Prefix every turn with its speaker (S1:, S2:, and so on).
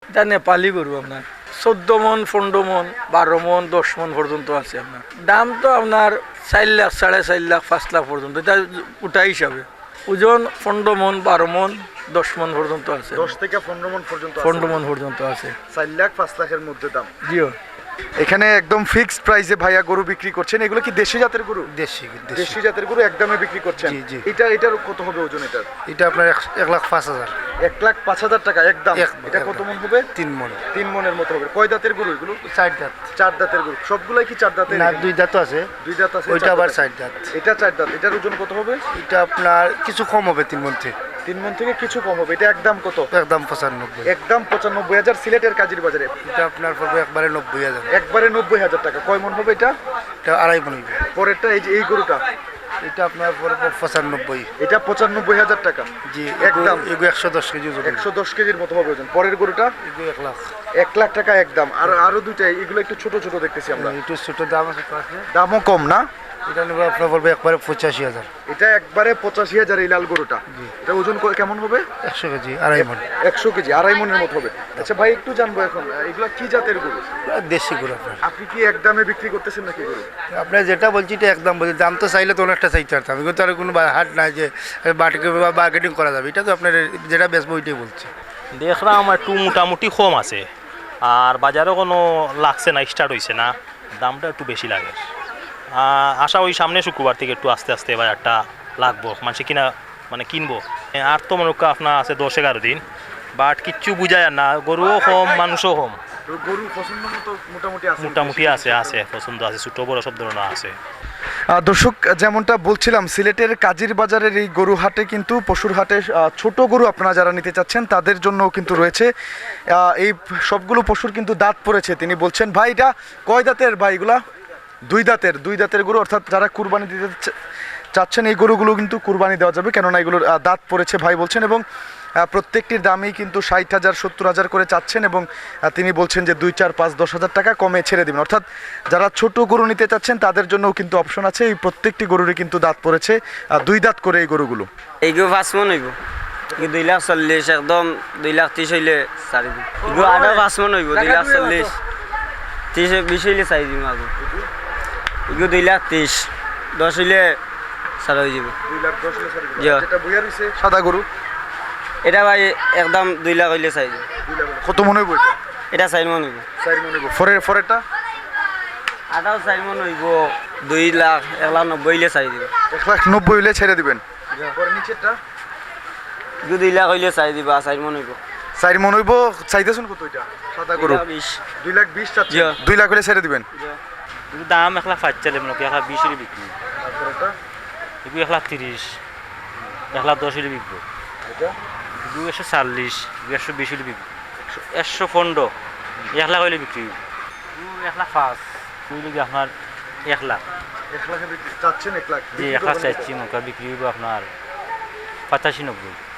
S1: এটা নেপালি গরু আপনার 14 মন 15 মন 12 মন 10 মন পর্যন্ত আছে আপনার দাম তো আপনার 4 লাখ 4.5 লাখ 5 লাখ পর্যন্ত এটা উঠা হিসাবে ওজন 15 মন 12 মন 10 মন পর্যন্ত আছে
S2: 10 থেকে 15 মন পর্যন্ত আছে
S1: 15 মন পর্যন্ত আছে
S2: 4 লাখ 5 লাখের মধ্যে দাম।
S1: জিও
S2: এখানে একদম ফিক্সড প্রাইসে ভাইয়া গরু বিক্রি করছেন। এগুলো কি দেশি জাতের গরু?
S3: দেশি
S2: দেশি জাতের গরু একদমে বিক্রি করছেন।
S3: জি, জি।
S2: এটার কত হবে ওজন এটার?
S3: এটা আপনার 1,05,000
S2: 1,05,000 টাকা একদম। এটা কত মন হবে?
S3: 3 মন
S2: 3 মনের মতো হবে। কয় দাঁতের গরু এগুলো?
S3: 4 দাঁত
S2: 4 দাঁতের গরু। সবগুলাই কি 4 দাঁতের?
S3: না 2 দাঁত আছে,
S2: 2 দাঁত আছে।
S3: ওইটা আবার 4 দাঁত।
S2: এটা 4 দাঁত। এটার ওজন কত হবে?
S3: এটা আপনার কিছু কম হবে 3 মন থেকে।
S2: 3 মন থেকে কিছু কম হবে। এটা একদম কত?
S3: একদম 95।
S2: একদম 95,000 সিলেটের কাজীর বাজারে।
S3: এটা আপনার পড়বে একবারে 90,000।
S2: একবারে 90,000 টাকা। কয় মন হবে এটা?
S3: এটা 2.5 মন হবে।
S2: পরেরটা এই যে এই গরুটা
S3: এটা আপনার পড়বে 95।
S2: এটা 95,000 টাকা।
S3: জি
S2: একদম।
S3: এগো 110 কেজি ওজন।
S2: 110 কেজির মতো হবে ওজন। পরের গরুটা
S3: এগো 1 লাখ।
S2: 1 লাখ টাকা একদম। আর আরো দুইটা এগুলো একটু ছোট ছোট দেখতেছি আমরা।
S3: একটু ছোট দাম আছে তো আছে।
S2: দামও কম না?
S3: এটা নেবে আপনার পড়বে একবারে 85,000।
S2: এটা একবারে 85,000 এই লাল গরুটা। এটা ওজন কেমন হবে?
S3: 100 কেজি 2.5 মন।
S2: 100 কেজি 2.5 মনের মতো হবে। আচ্ছা ভাই একটু জানবো এখন এগুলা কি জাতের গরু?
S3: দেশি গরু আপনার।
S2: আপনি কি একদমে বিক্রি করতেছেন নাকি গরু?
S3: আপনার যেটা বলছি এটা একদম বলছি, দাম তো চাইলে তো অনেকটা চাইতে পারতাম, কিন্তু আর কোনো হাট নাই যে মার্কেটিং করা যাবে। এটা তো আপনার যেটা বেচবো ওইটাই বলছে।
S4: দেখলাম একটু মোটামুটি কম আছে, আর বাজারও কোনো লাগছে না, স্টার্ট হয়েছে না, দামটা একটু বেশি লাগে। আশা ওই সামনে শুক্রবার থেকে একটু আস্তে আস্তে বাজারটা লাগবো, মানুষে কিনা মানে কিনবো। আর তো মনে আপনার আছে 10-11 দিন, বাট কিচ্ছু বুঝায় না, গরুও কম মানুষও কম।
S2: তো গরু পছন্দ মতো মোটামুটি আছে?
S4: মোটামুটি আছে পছন্দ আছে, ছোটো বড় সব ধরনের আছে।
S2: দর্শক যেমনটা বলছিলাম, সিলেটের কাজীর বাজারের এই গরু হাটে কিন্তু পশুর হাটে ছোট গরু আপনারা যারা নিতে চাচ্ছেন তাদের জন্যও কিন্তু রয়েছে। এই সবগুলো পশুর কিন্তু দাঁত পড়েছে। তিনি বলছেন ভাই এটা কয় দাঁতের ভাই? এগুলা 2 দাঁতের গরু, অর্থাৎ যারা কুরবানি দিতে চাচ্ছেন এই গরুগুলো কিন্তু কুরবানি দেওয়া যাবে, কেননা এগুলোর দাঁত পড়েছে ভাই বলছেন। এবং প্রত্যেকটির দামই কিন্তু 60,000 70,000 করে চাচ্ছেন। এবং তিনি বলছেন যে 2 4 5 10,000 টাকা কমে ছেড়ে দিবেন। অর্থাৎ যারা ছোট গরু নিতে চাচ্ছেন তাদের জন্যও কিন্তু অপশন আছে। এই প্রত্যেকটি গরুরই কিন্তু দাঁত পড়েছে, 2 দাঁত করে এই গরুগুলো।
S5: এইগো 5 মন হইব। 2,40,000 একদম 2,30,000 হইলে ছাড়ি দিম। এগো আধা 5 মন হইব 2,40,000 30-20 হইলে ছাড়ি দিম। আগে এগো 2,30,000 10 হইলে ছাড়া হয়ে যাব।
S2: 2,10,000
S5: জি।
S2: যেটা বইয়া রইছে সাদা গরু
S5: এটা ভাই একদম 2 লাখ হইলে ছাড়ি দিম।
S2: কত মনে হইব এটা?
S5: এটা 4 মন হইব।
S2: 4 মনে হইব। ফরেরটা
S5: আটাও 4 মন হইব 2 লাখ 1,90,000 হইলে ছাড়ি দিম।
S2: 1,90,000 হইলে ছেড়ে দিবেন। পরে নিচেরটা
S5: এগো 2 লাখ হইলে ছাড়ি দিবা। 4 মন হইব।
S2: 4 মন হইব। চাইতেছেন কত এটা সাদা গরু? 2,20,000 চাচ্ছেন।
S5: জি।
S2: 2 লাখ হইলে ছেড়ে দিবেন।
S4: দাম 1,05,000 মনে 1,20 বিক্রি,
S2: তারপরেটা
S4: এগুলো 1,30,000 1,10 বিকবো,
S2: এটা
S4: এগুলো 140 120 বিকবো, 115 1 লাখ হইলে বিক্রি, 1,05,000 তুই আপনার 1 লাখ।
S2: 1 লাখে বিক্রি চাচ্ছেন? 1 লাখ
S4: জি 1 লাখ চাইছি, মোকা বিক্রি হইব আপনার 85-90।